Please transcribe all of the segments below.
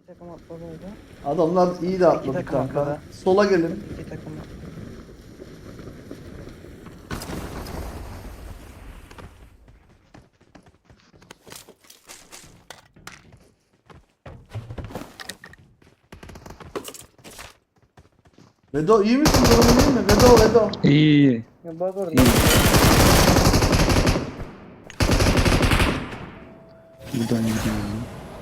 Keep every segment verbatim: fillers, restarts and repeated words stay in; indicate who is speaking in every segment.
Speaker 1: takım atladıydı.
Speaker 2: Adamlar iyi de
Speaker 1: İki
Speaker 2: atladı
Speaker 1: takım
Speaker 2: kanka.
Speaker 1: atladı.
Speaker 2: Sola gelin.
Speaker 1: İki takım atladı.
Speaker 2: Vedo iyi misin? Durumun iyi mi? Vedo Vedo.
Speaker 3: İyi iyi.
Speaker 1: Ya bak orada.
Speaker 3: İyi. Buradan gidiyorum.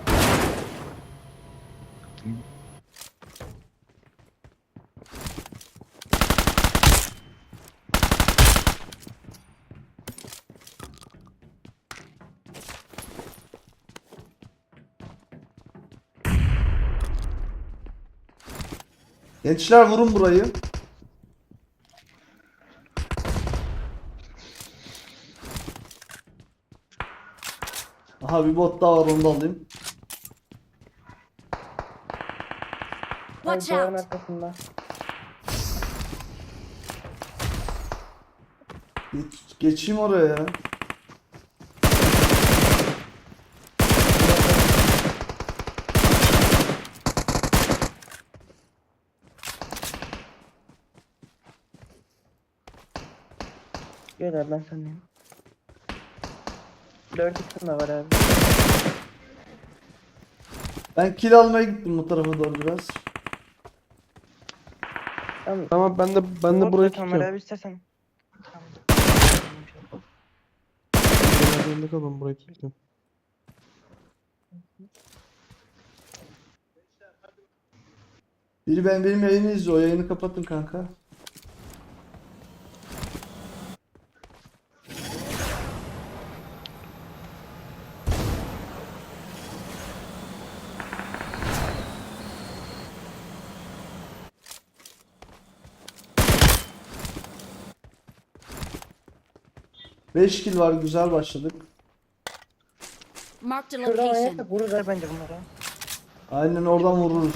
Speaker 2: Gençler vurun burayı. Aha bir bot daha var, onu da alayım.
Speaker 4: Watch
Speaker 1: Duvarın
Speaker 4: out!
Speaker 1: arkasında.
Speaker 2: Geç- geçeyim oraya ya.
Speaker 1: Gel abi ben sendeyim. Dört isim de var abi.
Speaker 2: Ben kill almaya gittim bu tarafa doğru biraz.
Speaker 1: Tamam.
Speaker 5: Tamam ben de ben de
Speaker 1: Bot
Speaker 5: burayı
Speaker 1: da kamera
Speaker 5: tutuyorum.
Speaker 1: abi istersen. Tamam.
Speaker 5: Ben yerinde kalalım, burayı tutuyorum.
Speaker 2: Biri ben benim yayını izliyor. O yayını kapatın kanka. beş kill var, güzel başladık.
Speaker 4: Marked a
Speaker 1: Şuradan
Speaker 4: location.
Speaker 1: oynarsak vururlar bence bunlara.
Speaker 2: Aynen oradan vururuz.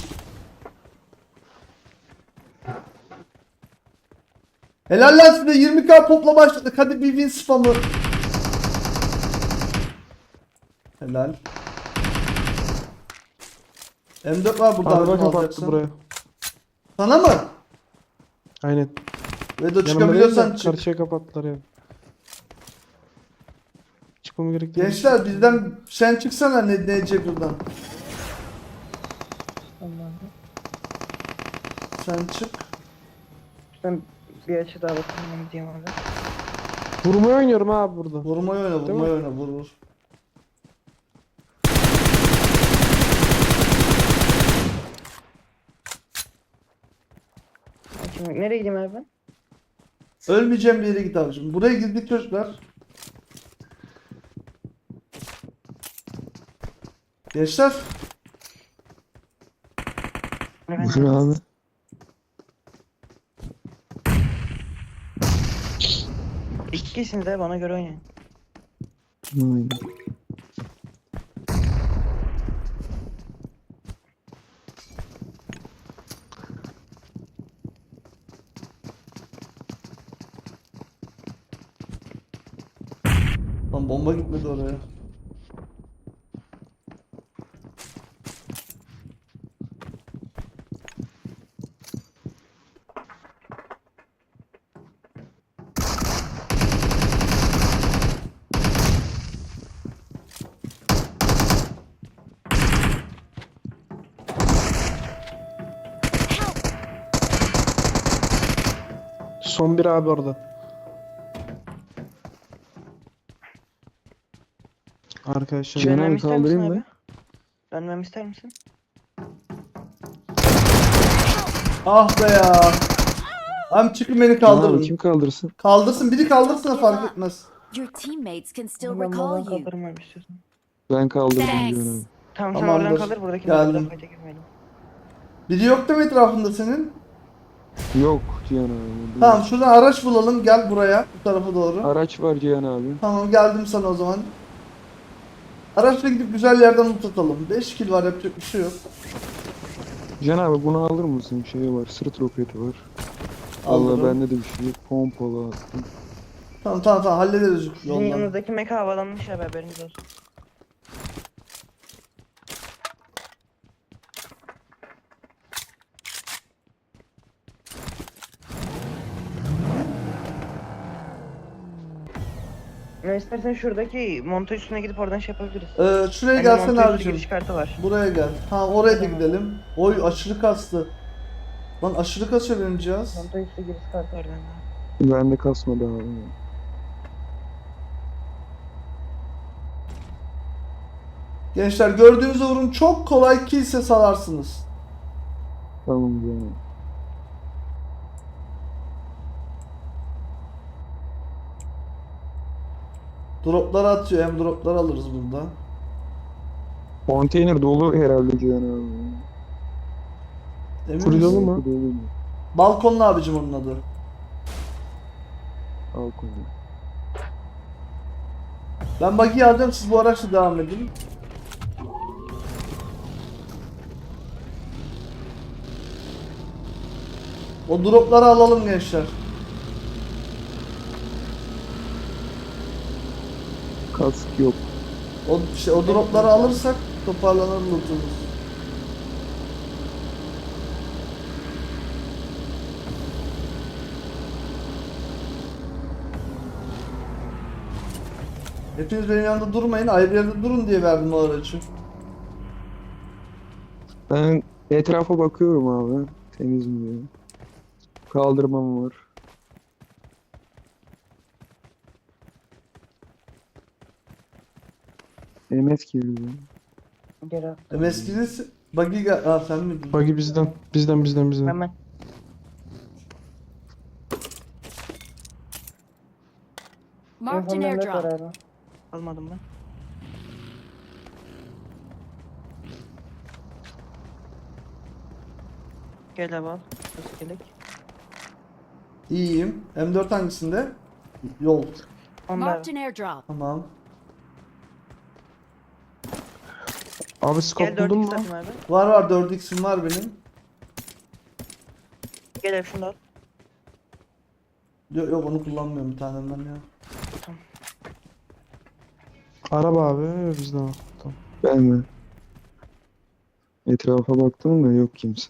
Speaker 2: Helal lan size, yirmi k popla başladık. Hadi bir win spamı. Helal. M dört var burada.
Speaker 5: Araba
Speaker 2: abi,
Speaker 5: kapattı
Speaker 2: alacaksın.
Speaker 5: buraya.
Speaker 2: Sana mı?
Speaker 5: Aynen.
Speaker 2: Vedo
Speaker 5: Yanımda değil
Speaker 2: çıkabiliyorsan
Speaker 5: de
Speaker 2: çık.
Speaker 5: karşıya kapattılar ya. Çıkmam gerek değil.
Speaker 2: Gençler bizden sen çıksana ne Nece buradan.
Speaker 1: Tamam.
Speaker 2: Sen çık.
Speaker 1: Ben bir açı daha bakayım ben gideyim abi.
Speaker 5: Vurmayı oynuyorum abi burada.
Speaker 2: Vurmayı oyna,
Speaker 5: Değil
Speaker 2: vurmayı
Speaker 5: mi?
Speaker 2: oyna, vur vur.
Speaker 1: Şimdi nereye gideyim abi ben?
Speaker 2: Ölmeyeceğim bir yere git abicim. Buraya girdik çocuklar. Gençler.
Speaker 3: Buyur abi.
Speaker 1: İki kişisiniz abi bana göre oynayın.
Speaker 3: Aynen.
Speaker 2: Lan bomba gitmedi oraya.
Speaker 5: Son bir abi orada. Arkadaşlar
Speaker 3: Cihan
Speaker 1: Dönmemi
Speaker 3: abi
Speaker 1: ister misin
Speaker 3: kaldırayım
Speaker 1: abi?
Speaker 3: mı?
Speaker 1: Dönmemi ister misin?
Speaker 2: Ah be ya. Hem çıkın beni
Speaker 3: Cihan abi
Speaker 2: kaldırın.
Speaker 3: kim kaldırsın?
Speaker 2: Kaldırsın, biri kaldırsın da fark etmez.
Speaker 4: Your teammates can still
Speaker 1: Ben
Speaker 4: recall
Speaker 1: buradan
Speaker 4: you.
Speaker 1: kaldırırım abi istiyorsan.
Speaker 3: Ben kaldırdım
Speaker 4: Thanks.
Speaker 3: Cihan abi.
Speaker 1: Tamam sen
Speaker 2: Tamamdır.
Speaker 1: oradan kaldır buradaki
Speaker 2: Geldim.
Speaker 1: burada fayda girmeyelim.
Speaker 2: Biri yok değil mi etrafında senin?
Speaker 3: Yok Cihan abi.
Speaker 2: Tamam şuradan araç bulalım, gel buraya, bu tarafa doğru.
Speaker 3: Araç var Cihan abi.
Speaker 2: Tamam geldim sana o zaman. Araçla gidip güzel yerden loot atalım. beş kill var, yapacak bir şey yok.
Speaker 3: Cihan abi bunu alır mısın? Şey var, sırt roketi var. Allah
Speaker 2: Alırım.
Speaker 3: bende de bir şey yok. Pompalı attım.
Speaker 2: Tamam tamam tamam hallederiz
Speaker 1: Sizin
Speaker 2: yoldan.
Speaker 1: yanınızdaki meka havalanmış abi haberiniz olsun. Ya istersen şuradaki montaj üstüne gidip oradan şey yapabiliriz.
Speaker 2: Ee, şuraya
Speaker 1: Hani
Speaker 2: gelsene
Speaker 1: montaj üstü
Speaker 2: abicim.
Speaker 1: giriş kartı var.
Speaker 2: Buraya gel. Tamam oraya da
Speaker 1: Tamam.
Speaker 2: gidelim. Oy aşırı kastı. Lan aşırı kasıyor benim cihaz.
Speaker 1: Montaj üstü giriş kartı var bende.
Speaker 3: Bende kasmadı abi.
Speaker 2: Gençler gördüğünüz vurun çok kolay kilse salarsınız.
Speaker 3: Tamam canım.
Speaker 2: Dropları atıyor. Hem dropları alırız burada.
Speaker 3: Konteyner dolu herhalde Cihan abi.
Speaker 2: Emin
Speaker 5: Full
Speaker 2: misin?
Speaker 5: dolu mu?
Speaker 3: Dolu mu?
Speaker 2: Balkonlu abicim onun adı.
Speaker 3: Al konu.
Speaker 2: Ben buggy'i alacağım, siz bu araçla devam edin. O dropları alalım gençler.
Speaker 3: Kask yok.
Speaker 2: O işte o dropları alırsak toparlanır lootumuz. Hepiniz benim yanımda durmayın, ayrı yerde durun diye verdim o aracı.
Speaker 3: Ben etrafa bakıyorum abi. Temiz mi diye. Kaldırmam var. M S girdi.
Speaker 1: Gel abi.
Speaker 2: M S G'si buggy gel... Aa sen miydin?
Speaker 5: Buggy bizden. Bizden bizden bizden.
Speaker 1: Hemen.
Speaker 4: Marked an
Speaker 1: Telefonda net var
Speaker 4: airdrop.
Speaker 1: abi. Almadım ben. Gel abi al. Nasıl gelek?
Speaker 2: İyiyim. M dört hangisinde? Yol.
Speaker 1: Onda
Speaker 4: Marked
Speaker 1: abi.
Speaker 4: an airdrop.
Speaker 2: Tamam.
Speaker 5: Abi
Speaker 1: Gel
Speaker 5: scope
Speaker 1: dört
Speaker 5: buldun
Speaker 1: x
Speaker 5: mu?
Speaker 1: atayım abi.
Speaker 2: Var var dört x'im var benim.
Speaker 1: Gel abi şunu da al.
Speaker 2: Yok, yok onu kullanmıyorum bir tanem ben ya.
Speaker 5: Araba abi bizden al. Tamam.
Speaker 3: Ben mi? Etrafa baktım da yok kimse.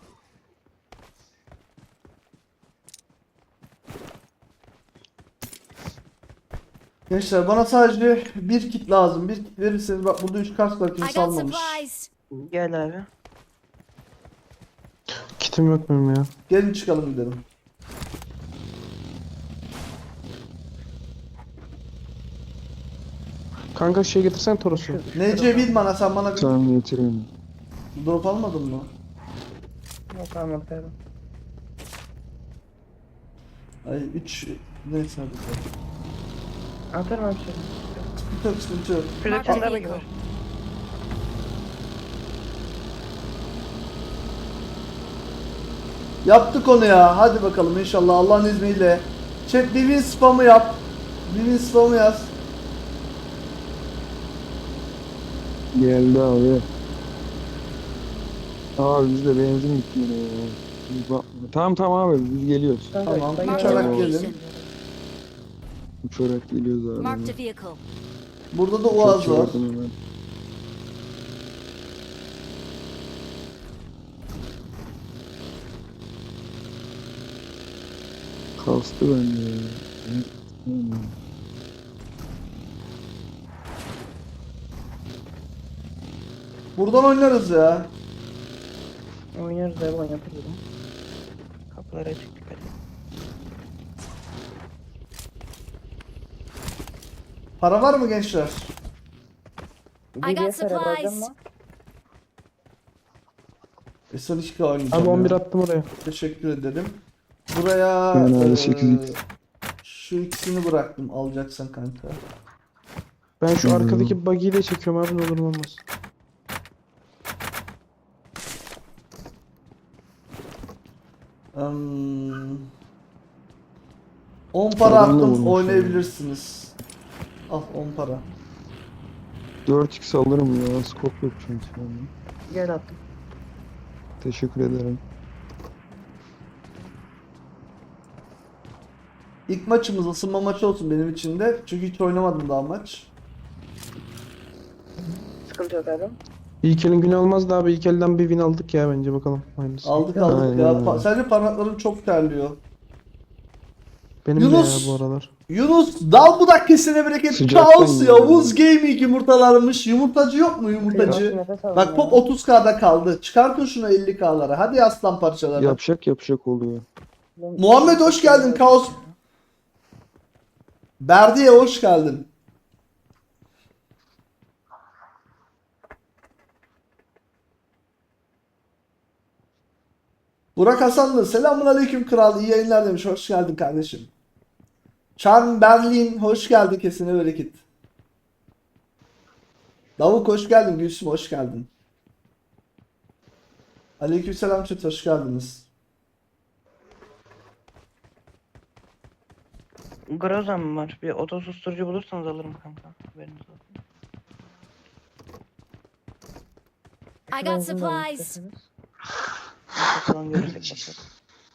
Speaker 2: Gençler bana sadece bir kit lazım. Bir kit verirseniz bak burada üç kask var
Speaker 4: I
Speaker 2: kimse
Speaker 4: got
Speaker 2: almamış.
Speaker 4: supplies.
Speaker 1: Gel abi.
Speaker 5: Kitim yok benim ya.
Speaker 2: Gelin çıkalım gidelim.
Speaker 5: Kanka şey getirsen Toros'u.
Speaker 2: N C bil bana sen bana bir
Speaker 3: Tamam getireyim.
Speaker 2: drop almadın mı?
Speaker 1: Yok almadık abi.
Speaker 2: Ay üç neyse hadi.
Speaker 1: Atarım abi şöyle.
Speaker 2: Sıkıntı yok sıkıntı yok.
Speaker 1: Şurada
Speaker 4: Marked a
Speaker 1: kendi araba
Speaker 4: vehicle.
Speaker 1: var.
Speaker 2: Yaptık onu ya. Hadi bakalım inşallah Allah'ın izniyle. Chat bir win spamı yap. Bir win spamı yaz.
Speaker 3: Geldi abi. Abi bizde benzin bitti yine ya. Biz bakma. Tamam tamam abi biz geliyoruz.
Speaker 2: Tamam,
Speaker 1: ben
Speaker 4: Marked a
Speaker 2: uçarak
Speaker 1: geldim.
Speaker 2: gelin.
Speaker 4: location.
Speaker 3: Uçarak geliyoruz abi.
Speaker 4: Marked a vehicle.
Speaker 2: Burada da
Speaker 3: Çok
Speaker 2: Uaz var.
Speaker 3: çabuktum hemen. Kastı bende ya. Hmm.
Speaker 2: Buradan oynarız ya.
Speaker 1: Oynarız abi oynatırız. Kapıları açık dikkat et.
Speaker 2: Para var mı gençler?
Speaker 4: I got
Speaker 1: D B S araba alacağım
Speaker 4: supplies.
Speaker 1: mı?
Speaker 2: S on iki oynayacağım
Speaker 5: Abi on bir
Speaker 2: ya.
Speaker 5: attım oraya.
Speaker 2: Teşekkür ederim. Buraya
Speaker 3: Ben abi
Speaker 2: eee,
Speaker 3: sekiz x.
Speaker 2: şu ikisini bıraktım alacaksan kanka.
Speaker 5: Ben şu
Speaker 3: Hmm.
Speaker 5: arkadaki buggy'yi de çekiyorum abi ne olur ne olmaz.
Speaker 2: Hmm. on para
Speaker 3: Adam da
Speaker 2: attım
Speaker 3: vurmuş
Speaker 2: oynayabilirsiniz. Al on para.
Speaker 3: dört x alırım ya. Scope yok çünkü. bende.
Speaker 1: Gel attım.
Speaker 3: Teşekkür ederim.
Speaker 2: İlk maçımız ısınma maçı olsun benim için de. Çünkü hiç oynamadım daha maç.
Speaker 1: Sıkıntı yok abi.
Speaker 5: İlk elin günü olmaz da abi ilk elden bir win aldık ya bence bakalım. Aynısı.
Speaker 2: Aldık aldık
Speaker 3: Aynen
Speaker 2: ya.
Speaker 3: öyle.
Speaker 2: Pa- sadece parmaklarım çok terliyor.
Speaker 5: Benim
Speaker 2: Yunus!
Speaker 5: de ya bu aralar.
Speaker 2: Yunus dal budak kesene bereket.
Speaker 3: Sıcaktan
Speaker 2: Kaos
Speaker 3: yiyor.
Speaker 2: Yavuz Gaming yumurtalarmış. Yumurtacı yok mu yumurtacı?
Speaker 1: Nefes alın
Speaker 2: Bak
Speaker 1: ya.
Speaker 2: Pop otuz K'da kaldı. Çıkartın şunu elli K'lara. Hadi aslan parçaları.
Speaker 3: Yapacak yapacak oluyor.
Speaker 2: Muhammed hoş geldin Kaos. Berdi'ye hoş geldin. Burak Hasanlı selamun aleyküm kral, iyi yayınlar demiş, hoş geldin kardeşim. Charm Berlin hoş geldin, kesine bereket. Davuk hoş geldin, Gülsüm hoş geldin. Aleykümselam chat, hoş geldiniz.
Speaker 1: Groza mı var? Bir oto susturucu bulursanız alırım kanka. Haberiniz olsun.
Speaker 4: I got supplies.
Speaker 1: Bakalım görürsek bakarız.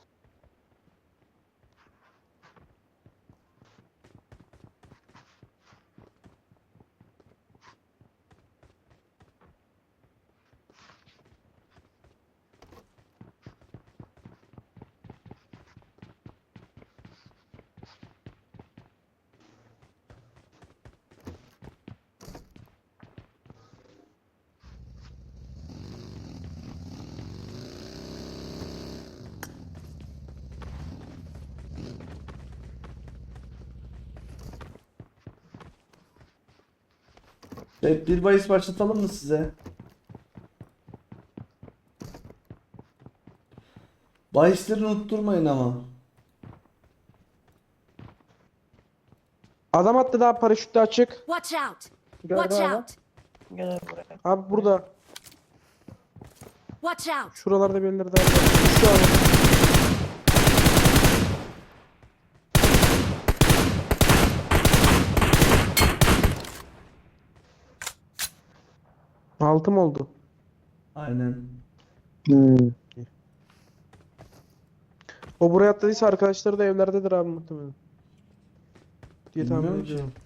Speaker 2: Evet, bir bahis başlatalım mı size? Bahisleri unutturmayın ama.
Speaker 5: Adam attı daha paraşütle açık.
Speaker 4: Watch out!
Speaker 1: Gördüm
Speaker 4: Watch
Speaker 1: abi.
Speaker 4: out!
Speaker 1: Gel buraya.
Speaker 5: Abi burada.
Speaker 4: Watch out!
Speaker 5: Şuralarda birileri daha var. Şu an. Altım oldu.
Speaker 2: Aynen.
Speaker 3: Hmm.
Speaker 5: O buraya atladıysa arkadaşları da evlerdedir abi muhtemelen. Diye tahmin
Speaker 2: Bilmiyorum ki.
Speaker 5: ediyorum.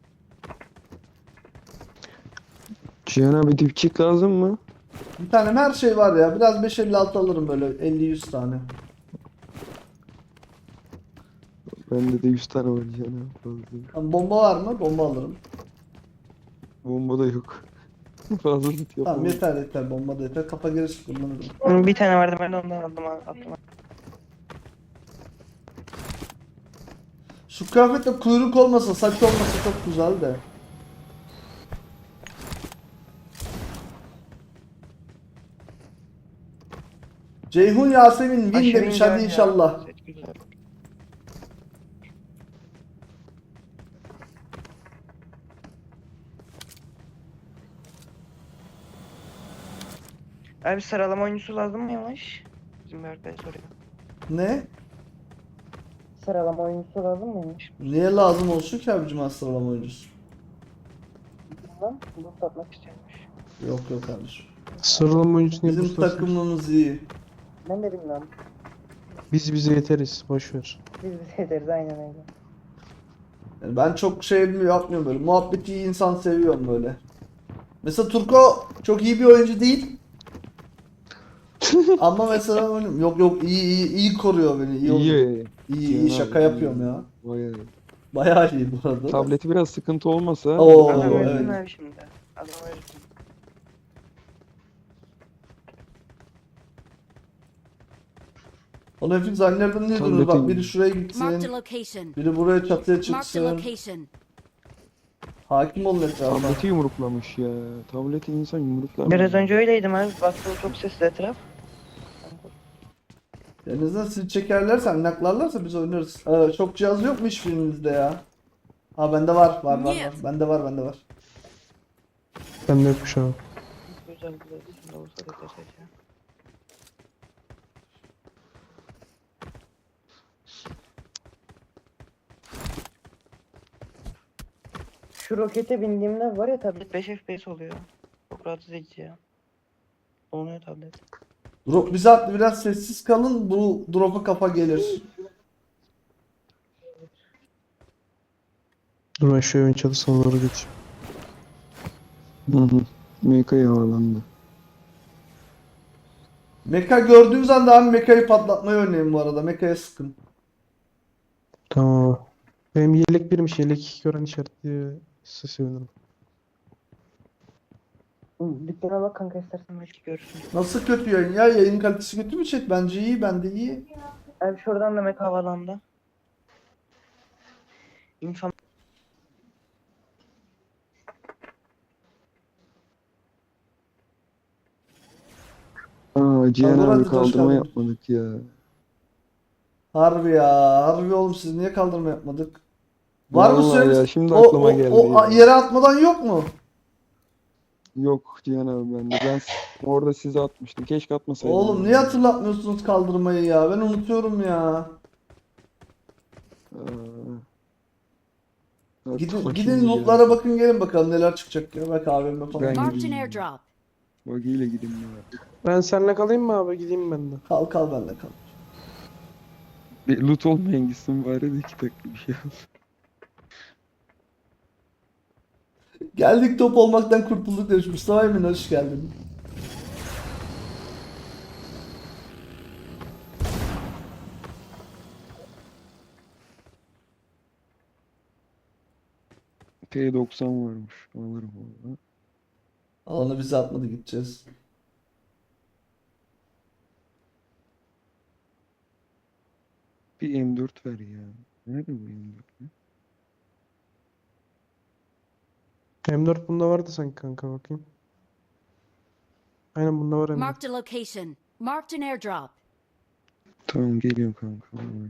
Speaker 3: Cihan abi dipçik lazım mı?
Speaker 2: Bir tanem her şey var ya. Biraz beş elli altı alırım böyle elli yüz tane.
Speaker 3: Bende de yüz tane var Cihan abi fazla.
Speaker 2: Tamam, bomba var mı? Bomba alırım.
Speaker 3: Bomba da yok. Fazla loot
Speaker 2: Tamam
Speaker 3: yapamam.
Speaker 2: yeter yeter, bomba da yeter. Kafa gerisi kullanırım.
Speaker 1: Bir tane vardı, ben de ondan aldım attım.
Speaker 2: Şu kıyafetle kuyruk olmasa, saç olmasa çok güzel de. Ceyhun Yasemin win
Speaker 1: Aşırı
Speaker 2: demiş,
Speaker 1: güzel
Speaker 2: hadi
Speaker 1: ya.
Speaker 2: inşallah.
Speaker 1: Set güzel. Abi sıralama oyuncusu lazım mı yavaş? Bizim bir arkadaş soruyor.
Speaker 2: Ne?
Speaker 1: Sıralama oyuncusu lazım mıymış?
Speaker 2: Niye lazım olsun ki abicim sıralama oyuncusu?
Speaker 1: Bilmem. Bu satmak istiyormuş.
Speaker 2: Yok yok kardeşim.
Speaker 5: Sıralama oyuncusu niye
Speaker 2: Bizim
Speaker 5: bustasın?
Speaker 2: takımımız iyi.
Speaker 1: Ben de bilmem.
Speaker 5: Biz bize yeteriz. Boş ver.
Speaker 1: Biz bize ederiz aynen öyle.
Speaker 2: Yani ben çok şey yapmıyorum böyle. Muhabbeti iyi insan seviyorum böyle. Mesela Turko çok iyi bir oyuncu değil. Ama mesela oyun- yok yok iyi iyi iyi koruyor beni. İyi iyi,
Speaker 3: İyi.
Speaker 2: iyi,
Speaker 3: Cihan
Speaker 2: şaka
Speaker 3: abi,
Speaker 2: yapıyorum
Speaker 3: iyi.
Speaker 2: ya.
Speaker 3: Bayağı.
Speaker 2: Bayağı iyi bu arada. da.
Speaker 3: Tableti biraz sıkıntı olmasa.
Speaker 2: Oo,
Speaker 1: Adam
Speaker 2: evet.
Speaker 1: öldü abi şimdi. Adam öldü.
Speaker 2: Onu hepiniz annelerden ne diyorsunuz? Bak biri şuraya gitsin.
Speaker 4: Marked a location.
Speaker 2: Biri buraya çatıya
Speaker 4: Marked a
Speaker 2: çıksın.
Speaker 4: location.
Speaker 2: Hakim olun etrafa.
Speaker 3: Tableti yumruklamış ya. Tableti insan yumruklar.
Speaker 1: Biraz önce öyleydim abi. Baktım çok sesli etraf.
Speaker 2: En azından sizi çekerlerse, naklarlarsa biz oynarız. Ee, çok cihaz yok mu hiçbirinizde ya? Ha bende var, var, var, var.
Speaker 4: Нет.
Speaker 2: Bende var, bende var.
Speaker 5: Ben de yokmuş abi.
Speaker 1: Güzel güzel. Şimdi olsa da geçecek ya. Şu rokete bindiğimde var ya, tablet beş F P S oluyor. Çok rahatsız edici ya. Donuyor tablet.
Speaker 2: Drop bize attı, biraz sessiz kalın. Bu drop'a kafa gelir.
Speaker 5: Dur ben şu evin çatısına doğru geçeyim.
Speaker 3: Hı hı. Meka havalandı.
Speaker 2: Meka gördüğümüz anda abi Meka'yı patlatmayı örneğin bu arada. Meka'ya sıkın.
Speaker 5: Tamam. Benim yelek birmiş. Yelek gören işaretli size sevinirim.
Speaker 1: Dükkana bak kanka istersen belki görürsün.
Speaker 2: Nasıl kötü yayın ya? Yayın kalitesi kötü mü chat? Bence iyi, bende iyi.
Speaker 1: Abi şuradan da Meka havalandı. İnsan
Speaker 3: Aa Cihan
Speaker 2: Olur,
Speaker 3: abi
Speaker 2: hadi, hoş
Speaker 3: kaldırma
Speaker 2: geldin.
Speaker 3: yapmadık ya.
Speaker 2: Harbi ya. Harbi oğlum, siz niye kaldırma yapmadık? Var mı
Speaker 3: Vallahi
Speaker 2: süremiz?
Speaker 3: ya, şimdi
Speaker 2: O,
Speaker 3: aklıma
Speaker 2: o,
Speaker 3: geldi
Speaker 2: o
Speaker 3: ya.
Speaker 2: yere atmadan yok mu?
Speaker 3: Yok Cihan abi bende. Ben s- orada size atmıştım. Keşke atmasaydım.
Speaker 2: Oğlum niye hatırlatmıyorsunuz kaldırmayı ya? Ben unutuyorum ya.
Speaker 3: Aa, dur
Speaker 2: Gidin,
Speaker 3: bakayım
Speaker 2: gidin
Speaker 3: bir
Speaker 2: lootlara
Speaker 3: ya.
Speaker 2: bakın, gelin bakalım neler çıkacak ya. Bak abime falan.
Speaker 3: Ben-
Speaker 4: Marked an airdrop.
Speaker 3: Bagiyle gideyim ya.
Speaker 5: Ben seninle kalayım mı abi? Gideyim ben de.
Speaker 2: Kal kal benle kal.
Speaker 3: Bir loot olmayan gitsin bari de iki dakika bir şey al.
Speaker 2: Geldik, top olmaktan kurtulduk demiş Mustafa Emin, hoş geldin.
Speaker 3: T doksan varmış. Alırım onu.
Speaker 2: Alanı bize atmadı, gideceğiz.
Speaker 3: Bir M dört ver ya. Nerede bu M dört? ya?
Speaker 5: M dört bunda vardı sanki kanka, bakayım. Aynen bunda var M dört.
Speaker 4: Marked a location. Marked an airdrop.
Speaker 3: Tamam geliyorum kanka. Vallahi.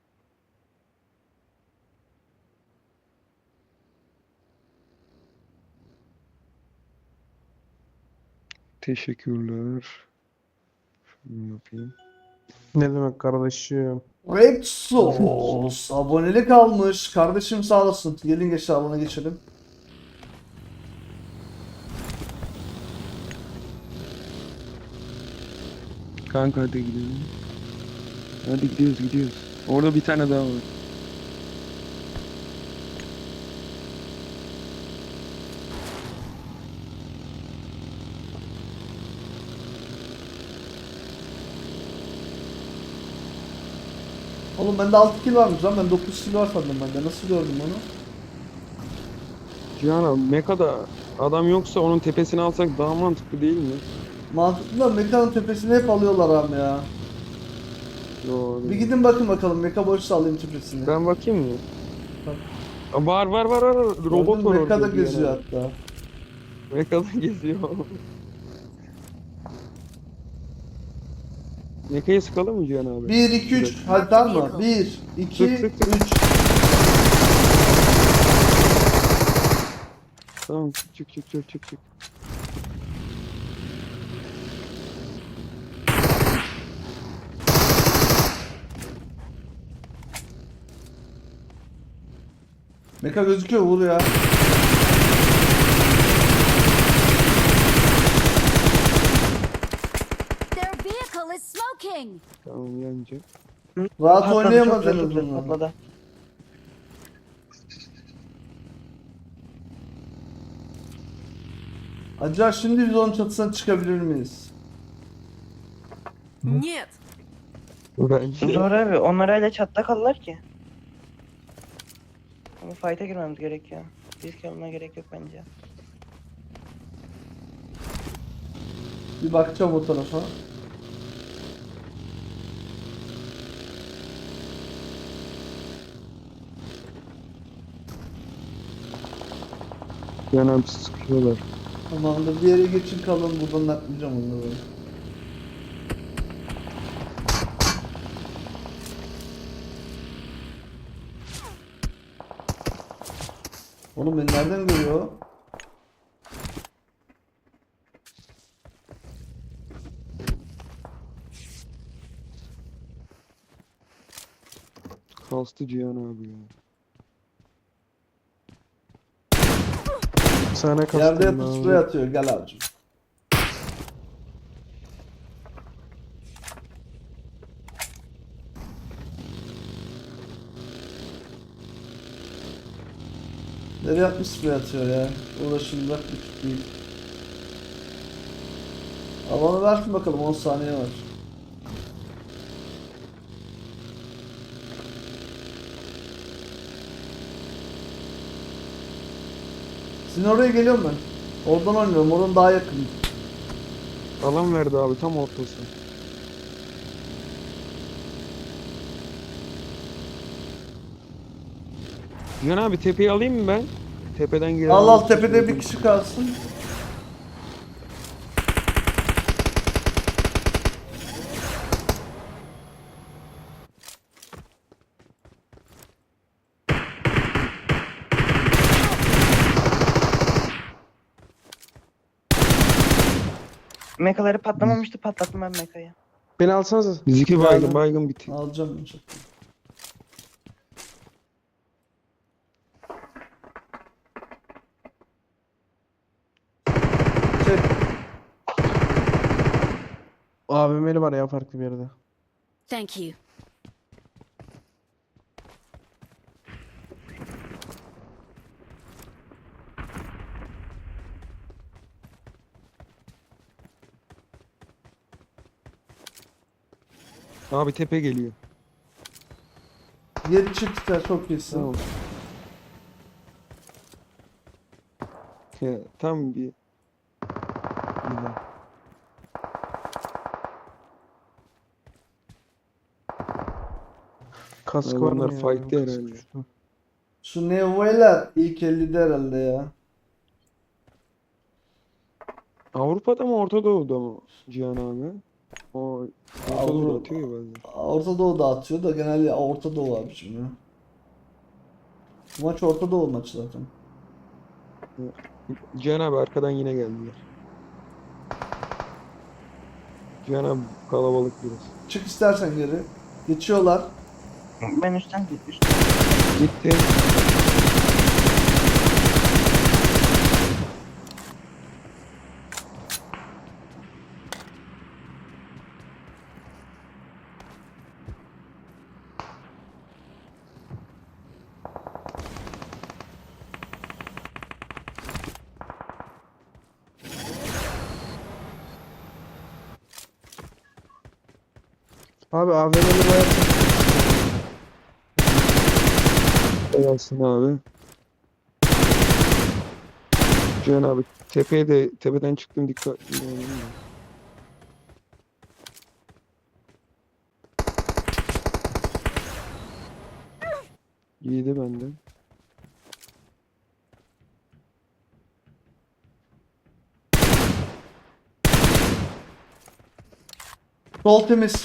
Speaker 3: Teşekkürler. Şunu yapayım.
Speaker 5: Ne demek kardeşim?
Speaker 2: Red Sauce abonelik almış. Kardeşim sağ olasın. Gelin geç alana geçelim.
Speaker 3: Kanka hadi gidelim. Hadi gidiyoruz gidiyoruz. Orada bir tane daha var.
Speaker 2: Oğlum bende altı kill varmış lan. Ben dokuz kill var sandım bende. Nasıl gördüm onu?
Speaker 3: Cihan abi Meka'da adam yoksa onun tepesini alsak daha mantıklı değil mi?
Speaker 2: Mantıklı da mekanın tepesini hep alıyorlar abi ya.
Speaker 3: Doğru.
Speaker 2: Bir gidin bakın bakalım. Meka boşsa alayım tepesini.
Speaker 3: Ben bakayım mı?
Speaker 2: Bak.
Speaker 3: Aa, Var var var var. Robot var
Speaker 2: Meka da
Speaker 3: orada. Cihan
Speaker 2: geziyor
Speaker 3: abi.
Speaker 2: hatta.
Speaker 3: Meka'da geziyor. Meka'yı sıkalım mı Cihan abi?
Speaker 2: bir, iki, üç. Hadi tamam mı? bir, iki,
Speaker 3: Sık, sık, sık.
Speaker 2: üç.
Speaker 3: Tamam çık çık çık çık çık.
Speaker 2: Meka gözüküyor, vur ya.
Speaker 4: Their vehicle is smoking.
Speaker 3: Tamam yanacak.
Speaker 2: Rahat
Speaker 1: patladı, çok
Speaker 2: oynayamadınız
Speaker 1: güzel, çok güzel
Speaker 2: bunları.
Speaker 1: patladı.
Speaker 2: Acaba şimdi biz onun çatısına çıkabilir miyiz?
Speaker 4: Нет.
Speaker 3: Bence.
Speaker 1: Zor abi. Onlar öyle çatta kalırlar ki. Ama fight'a girmemiz gerekiyor. Risk almaya gerek yok bence.
Speaker 2: Bir bakacağım o tarafa.
Speaker 3: Cihan abi sıkıyorlar.
Speaker 2: Tamamdır, bir yere geçin kalın, buradan naklayacağım onları. Oğlum beni nereden görüyor?
Speaker 3: Kastı Cihan abi ya.
Speaker 5: Sana kastım
Speaker 2: Yerde
Speaker 5: ben
Speaker 2: yatıp
Speaker 5: abi.
Speaker 2: sprey atıyor, gel abicim. Nereye atmış sprey atıyor ya? Uğraşın bırak, bir tut değil. Alanı versin bakalım, on saniye var. Sizin oraya geliyorum ben. Oradan oynuyorum. Oradan daha yakın.
Speaker 3: Alan verdi abi tam ortası. Cihan abi tepeyi alayım mı ben? Tepeden gelen
Speaker 2: Al al
Speaker 3: olursa
Speaker 2: tepede bir
Speaker 3: söyleyeyim.
Speaker 2: kişi kalsın.
Speaker 1: Mekaları patlamamıştı, patlattım ben mekayı.
Speaker 5: Beni alsanıza.
Speaker 3: Biz iki
Speaker 2: Geldim.
Speaker 3: baygın baygın bitti.
Speaker 2: Alacağım. Çok. Çek.
Speaker 5: A V M'li var ya farklı bir yerde.
Speaker 4: Thank you.
Speaker 3: Abi tepe geliyor.
Speaker 2: Yedi çıktı. Çok iyisin.
Speaker 3: Tamam. Ya, tam bir... Güzel.
Speaker 5: Kask var
Speaker 3: Adamlar
Speaker 5: mı ya?
Speaker 3: fight'te
Speaker 5: Kask
Speaker 3: herhalde.
Speaker 5: uçtu.
Speaker 2: Şu Nevo'yla ilk ellide herhalde ya.
Speaker 3: Avrupa'da mı Orta Doğu'da mı Cihan abi? O Orta Doğu'da
Speaker 2: Avru-
Speaker 3: atıyor ya bazen.
Speaker 2: Orta Doğu da atıyor da genelde Orta Doğu abi şimdi. Bu maç Orta Doğu maçı zaten.
Speaker 3: Cihan abi arkadan yine geldiler. Cihan abi kalabalık biraz.
Speaker 2: Çık istersen geri. Geçiyorlar.
Speaker 1: Ben üstten git, üstten.
Speaker 3: Gitti.
Speaker 5: Abi A V M'li bayağı
Speaker 3: Gelsin abi. Cihan abi tepeye de tepeden çıktım dikkatli olalım da. Yedi benden.
Speaker 2: Sol temiz.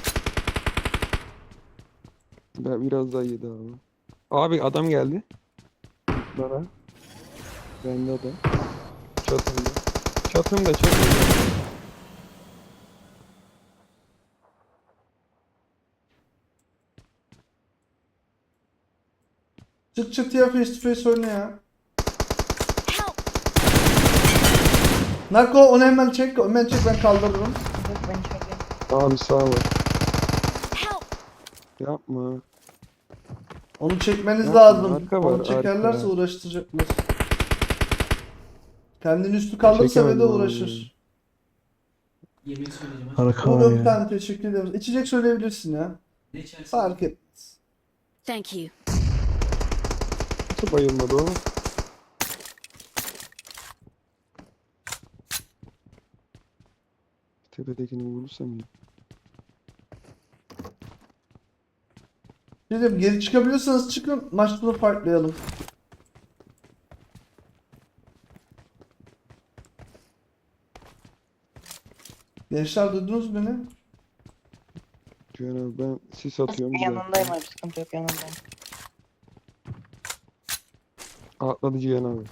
Speaker 3: Ben biraz daha yedi abi. Abi adam geldi. Bana. Bende adam. Çatımda. Çatımda çatımda.
Speaker 2: Çık çatıya face to face oyna ya.
Speaker 4: Help!
Speaker 2: Nako onu hemen çek. Hemen çek ben kaldırırım.
Speaker 1: Yok, ben içerideyim.
Speaker 3: Abi sağ ol.
Speaker 4: Help!
Speaker 3: Yapma.
Speaker 2: Onu çekmeniz
Speaker 3: Yapma,
Speaker 2: lazım.
Speaker 3: arka var,
Speaker 2: Onu çekerlerse
Speaker 3: arka.
Speaker 2: uğraştıracaklar. Kendini üstü kaldırsa ve de
Speaker 3: Çekemedim abi.
Speaker 2: uğraşır.
Speaker 6: Yemek söyleyeceğim.
Speaker 5: harika
Speaker 2: Olur
Speaker 5: var
Speaker 2: bir
Speaker 5: ya.
Speaker 2: tane teşekkür ederim. İçecek söyleyebilirsin ya.
Speaker 6: Ne içersin?
Speaker 2: Fark etmez.
Speaker 4: Thank you.
Speaker 3: Nasıl bayılmadı o? Tepedekini vurursam ya.
Speaker 2: Dedim geri çıkabiliyorsanız çıkın. Maç sonu farklayalım. Gençler duydunuz beni?
Speaker 3: Cihan abi ben sis atıyorum. bir
Speaker 1: Yanındayım
Speaker 3: dakika.
Speaker 1: abi, sıkıntı yok, yanındayım.
Speaker 3: Atladı Cihan abi.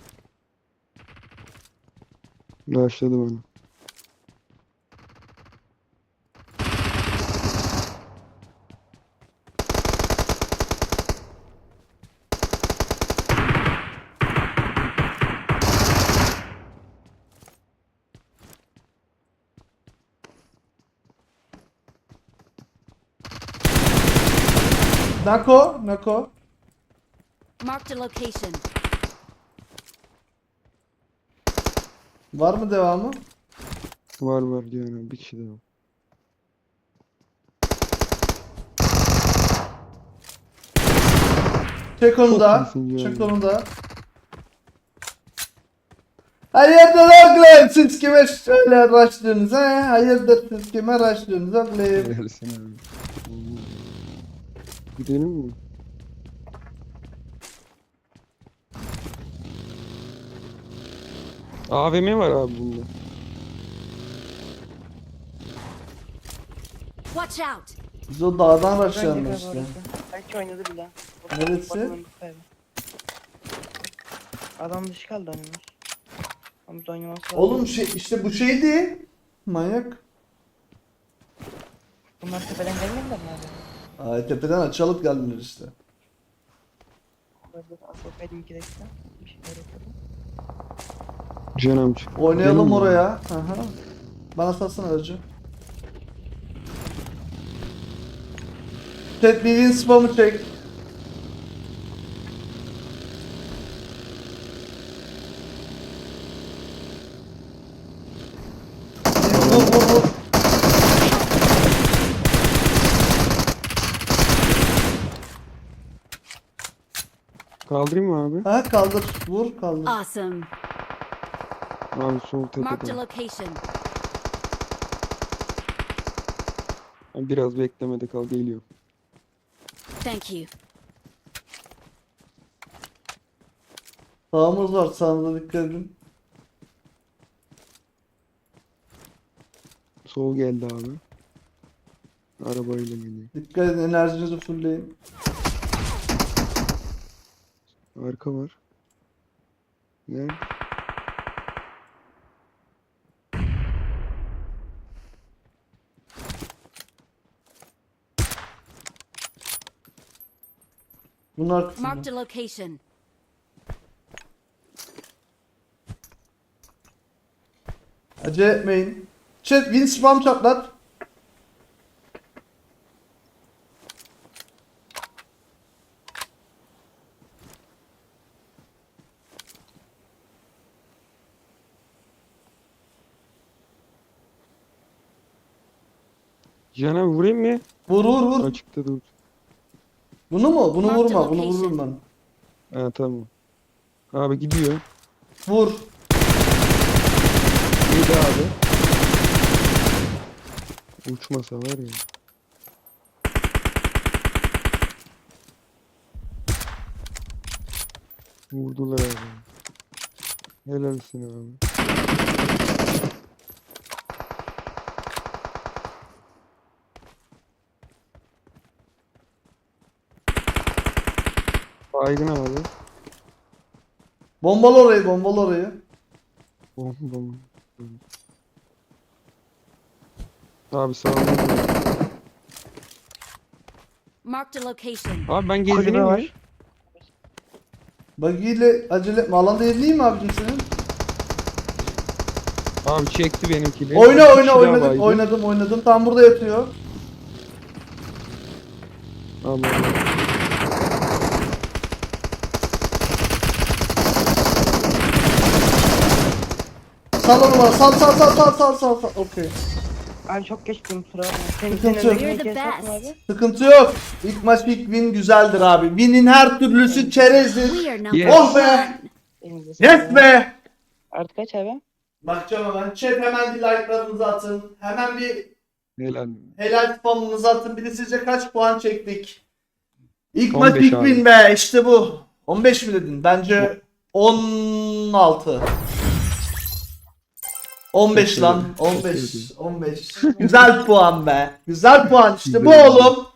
Speaker 3: Başladı bana.
Speaker 2: Nako, Nako.
Speaker 4: Marked a location.
Speaker 2: Var mı devamı?
Speaker 3: Var var Cihan abi bir kişi daha.
Speaker 2: Çek onu
Speaker 3: Çok
Speaker 2: da.
Speaker 3: iyisin ya.
Speaker 2: Çek onu da. Hayırdır oğlum? Siz kime şöyle başlıyorsunuz ha? Hayırdır siz kime başlıyorsunuz oğlum?
Speaker 3: Versene abi. Oo. Gidelim mi? A V M var abi bunda.
Speaker 4: Watch out!
Speaker 2: Biz o dağdan
Speaker 1: Bence
Speaker 2: başlayalım
Speaker 1: galiba
Speaker 2: işte.
Speaker 1: orası. Belki oynadı bile.
Speaker 2: Neresi?
Speaker 1: Bakalım bu kaybı. Adam dışı kaldı oynamış. Ama biz oynaması lazım.
Speaker 2: Oğlum şey işte bu şeydi. Manyak.
Speaker 1: Bunlar tepeden gelmediler mi abi?
Speaker 2: Ay tepeden açılıp geldiler işte.
Speaker 1: Böyle asılsaydım iki dakika. Bir şeyler yapıyordum.
Speaker 3: Can amca.
Speaker 2: Oynayalım
Speaker 3: Gidelim mi?
Speaker 2: oraya. Aha. Bana satsana aracı. Chat bir win spamı çek. Vur vur vur.
Speaker 3: Kaldırayım mı abi?
Speaker 2: Ha kaldır. Vur kaldır.
Speaker 4: Awesome.
Speaker 3: Abi sol
Speaker 4: Marked a
Speaker 3: tepede.
Speaker 4: location.
Speaker 3: Biraz beklemede kal, geliyor.
Speaker 4: Thank you.
Speaker 2: Sağımız var, sağınıza dikkat edin.
Speaker 3: Sol geldi abi. Arabayla geliyor.
Speaker 2: Dikkat edin, enerjinizi fullleyin.
Speaker 3: Arka var. Nerede?
Speaker 2: Bunun arkasında.
Speaker 4: Marked a location.
Speaker 2: Acele etmeyin. Chat win spam çatlat.
Speaker 3: Can abi vurayım mı?
Speaker 2: Vur vur vur.
Speaker 3: Açıkta dur.
Speaker 2: Bunu mu? Bunu
Speaker 4: Mark the
Speaker 2: vurma. Bunu
Speaker 4: location.
Speaker 2: vururum ben.
Speaker 3: Ha tamam. Abi gidiyor.
Speaker 2: Vur.
Speaker 3: Yedi abi. Uçmasa var ya. Vurdular abi. Helalsin abi. Baygın abi.
Speaker 2: Bombalı orayı, bombalı orayı.
Speaker 3: Bom bom. Abi sağ olun.
Speaker 4: Marked a location.
Speaker 3: Abi ben
Speaker 1: Kulübe
Speaker 3: gezdireyim
Speaker 1: var.
Speaker 3: mi?
Speaker 2: Buggy ile acele etme. Alanda yerliyim mi abicim senin?
Speaker 3: Abi çekti benimkini.
Speaker 2: Oyna
Speaker 3: Bir
Speaker 2: oyna
Speaker 3: kişi daha
Speaker 2: oynadım
Speaker 3: baygın.
Speaker 2: oynadım oynadım. Tam burada yatıyor.
Speaker 3: Allah.
Speaker 2: Sal onu bana. Sal sal sal sal sal sal sal. Okey.
Speaker 1: Abi çok geçtim kusura bakma. Senin
Speaker 2: Sıkıntı
Speaker 1: senin
Speaker 2: yok.
Speaker 1: önüne
Speaker 4: You're the
Speaker 1: kes atma
Speaker 4: best.
Speaker 1: abi.
Speaker 2: Sıkıntı yok. İlk maç ilk win güzeldir abi. Win'in her türlüsü çerezdir.
Speaker 4: We are number
Speaker 3: Yes.
Speaker 2: Oh be!
Speaker 4: one.
Speaker 1: Elinize
Speaker 2: Yes
Speaker 1: sağlık.
Speaker 2: be!
Speaker 1: Artık kaç abi?
Speaker 2: Bakacağım hemen. Chat hemen bir like'larınızı atın. Hemen bir
Speaker 3: Helal.
Speaker 2: helal spamınızı atın. Bir de sizce kaç puan çektik? İlk
Speaker 3: on
Speaker 2: maç
Speaker 3: beş
Speaker 2: ilk
Speaker 3: abi.
Speaker 2: win be. İşte bu. on beş mi dedin? Bence on altı. on beş lan. on beş. on beş. Güzel puan be. Güzel puan işte bu
Speaker 3: Güzel.
Speaker 2: oğlum.